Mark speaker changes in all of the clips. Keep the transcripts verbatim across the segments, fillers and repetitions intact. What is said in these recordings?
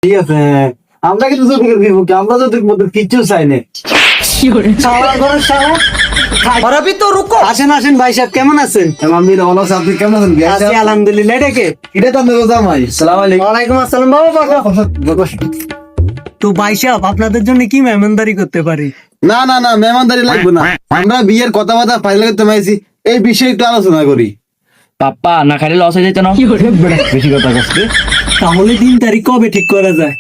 Speaker 1: ঠিক আছে, আমরা কিন্তু যৌতুকের বিপক্ষে, আমরা যৌতুক মতো কিচ্ছু চাই না।
Speaker 2: और अभी तो रुको।
Speaker 1: আসেন আসেন ভাই সাহেব, কেমন আছেন?
Speaker 3: আমি ভালো আছি, আপনি কেমন আছেন?
Speaker 1: আছি আলহামদুলিল্লাহ। এটা কে?
Speaker 3: এটা তো আপনার জামাই। সালাম আলাইকুম।
Speaker 1: ওয়ালাইকুম আসসালাম। বাবা বসো। তো ভাই সাহেব, আপনাদের জন্য কি মেহমানদারি করতে পারি?
Speaker 3: না না না, মেহমানদারি লাগবে না, আমরা বিয়ের কথাবার্তা ফাইনাল করতে পাইছি, এই বিষয়ে একটু আলোচনা করি।
Speaker 2: পাপ্পা না খাইলে লস হয়ে যেত না।
Speaker 3: বেশি কথা করছে।
Speaker 1: তাহলে দিন তারিখ কবে ঠিক করা যায়?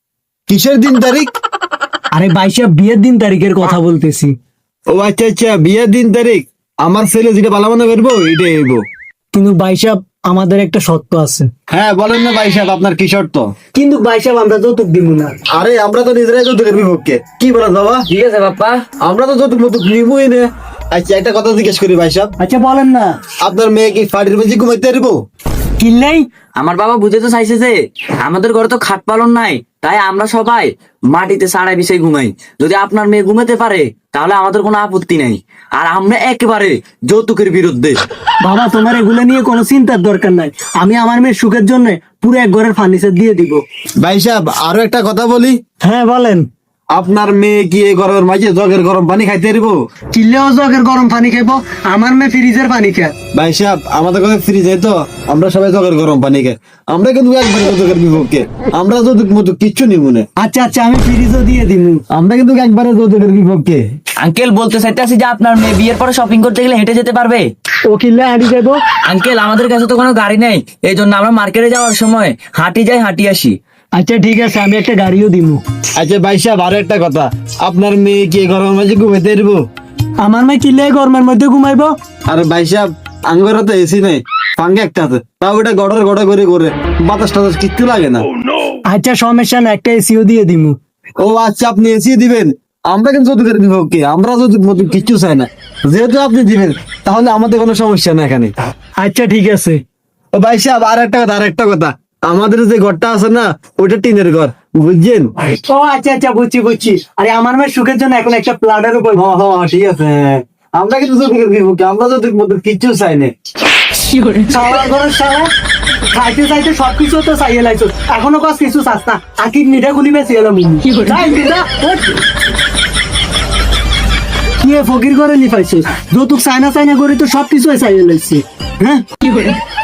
Speaker 3: কিসের দিন তারিখ?
Speaker 1: আরে ভাই সাহেব, বিয়ের দিন তারিখের কথা বলতেছি।
Speaker 3: ও আচ্ছা আচ্ছা, বিয়ের দিন তারিখ আমার ছেলে যেটা ভালো মনে করবো এটাই হইব।
Speaker 1: কিন্তু ভাই সাহেব, আমাদের একটা শর্ত আছে।
Speaker 3: হ্যাঁ বলেন না ভাই সাহেব, আপনার কি শর্ত?
Speaker 1: কিন্তু ভাই সাহেব, আমরা যৌতুক দিব না।
Speaker 3: আরে আমরা তো নিজেরাই যৌতুকের বিপক্ষে, কি বলেন বাবা?
Speaker 2: ঠিক আছে পাপ্পা।
Speaker 3: আমরা তো যৌতুক মতো নিবই না। আচ্ছা একটা কথা জিজ্ঞেস করি ভাই সাহেব,
Speaker 1: আচ্ছা বলেন না।
Speaker 3: আপনার মেয়ে কি ফাটির মেঝে ঘুমাইতে পারবো?
Speaker 1: কিনলেই
Speaker 2: আমার বাবা বুঝে তো চাইছে যে আমাদের ঘরে তো খাট পালন নাই, তাই আমরা সবাই মাটিতে সাড়াই বিছাই ঘুমাই। যদি আপনার মেয়ে ঘুমাতে পারে তাহলে আমাদের কোনো আপত্তি নাই, আর আমরা একেবারে যৌতুকের বিরুদ্ধে।
Speaker 1: বাবা, তোমার এগুলো নিয়ে কোনো চিন্তার দরকার নাই। আমি আমার মেয়ের সুখের জন্য পুরো এক ঘরের ফার্নিচার দিয়ে দিব।
Speaker 3: ভাই সাহেব আরো একটা কথা বলি,
Speaker 1: হ্যাঁ বলেন।
Speaker 3: আপনার মেয়ে কি এই গরমের মাঝে জগের গরম পানি খাইতে পারবো?
Speaker 1: চিল্লেও জগের গরম পানি খাইবো, আমার মেয়ে ফ্রিজের পানি খায়।
Speaker 3: ভাই সাহেব আমাদের কাছে ফ্রিজ তো, আমরা সবাই জগের গরম পানি খাই, আমরা কিন্তু একবারে যৌতুকের বিপক্ষে, আমরা যৌতুক মতো কিচ্ছু নিব না।
Speaker 1: আচ্ছা আচ্ছা, আমি ফ্রিজও দিয়ে দিব।
Speaker 3: আমরা কিন্তু একবারে যৌতুকের বিপক্ষে।
Speaker 2: আঙ্কেল বলতে চাইতেছি যে আপনার মেয়ে বিয়ের পরে শপিং করতে গেলে হেঁটে যেতে পারবে।
Speaker 1: ও কিনলে হাঁটি যাবো।
Speaker 2: আঙ্কেল আমাদের কাছে তো কোনো গাড়ি নেই, এই জন্য আমরা মার্কেটে যাওয়ার সময় হাঁটি যাই হাঁটি আসি।
Speaker 1: আচ্ছা ঠিক আছে, আমি একটা গাড়িও দিব।
Speaker 3: আচ্ছা ভাই সাহেব আরো একটা কথা, আপনার মেয়ে কি এই গরমের মাঝে ঘুমাইতে পারবো?
Speaker 1: আমার মেয়ে কিনলে গরমের মধ্যে ঘুমাইবো।
Speaker 3: আরে ভাই সাহেব আঙ্গরে তো এসি নেই, পাঙ্গে একটা আছে, তাও ওটা গড়ের গড়ে করে করে বাতাস টাতাস কিচ্ছু লাগে না।
Speaker 1: আচ্ছা সমস্যা না, একটা এসিও দিয়ে দিব।
Speaker 3: ও আচ্ছা আপনি এসি দিবেন, আমরা কিন্তু যৌতুকের বিপক্ষে, আমরা যৌতুক মতো কিচ্ছু চাই না, যেহেতু আপনি দিবেন তাহলে আমাদের কোনো সমস্যা না এখানে।
Speaker 1: আচ্ছা ঠিক আছে।
Speaker 3: ও ভাই সাহেব আর একটা কথা, আর একটা কথা, আমাদের যে ঘরটা আছে না ওইটা টিনের ঘর, বুঝছেন?
Speaker 1: ও আচ্ছা আচ্ছা, বুঝছি বুঝছি। আরে আমার মেয়ের সুখের জন্য এখন একটা প্লাডের উপর।
Speaker 3: হ্যাঁ হ্যাঁ ঠিক আছে, আমরা কিন্তু যৌতুকের বিপক্ষে, আমরা যৌতুক মতো কিচ্ছু চাই না।
Speaker 1: সারা ঘরের সারা খাইতে চাইতে সবকিছু তো চাইয়ে লাইছো, এখনো কাজ কিছু চাস না। আকির নিটা খুলিবে সিয়ালাম কি ফকির করে নি পাইছো, যৌতুক চাইনা চাইনা করে তো সবকিছু চাইয়ে লাইছে। হ্যাঁ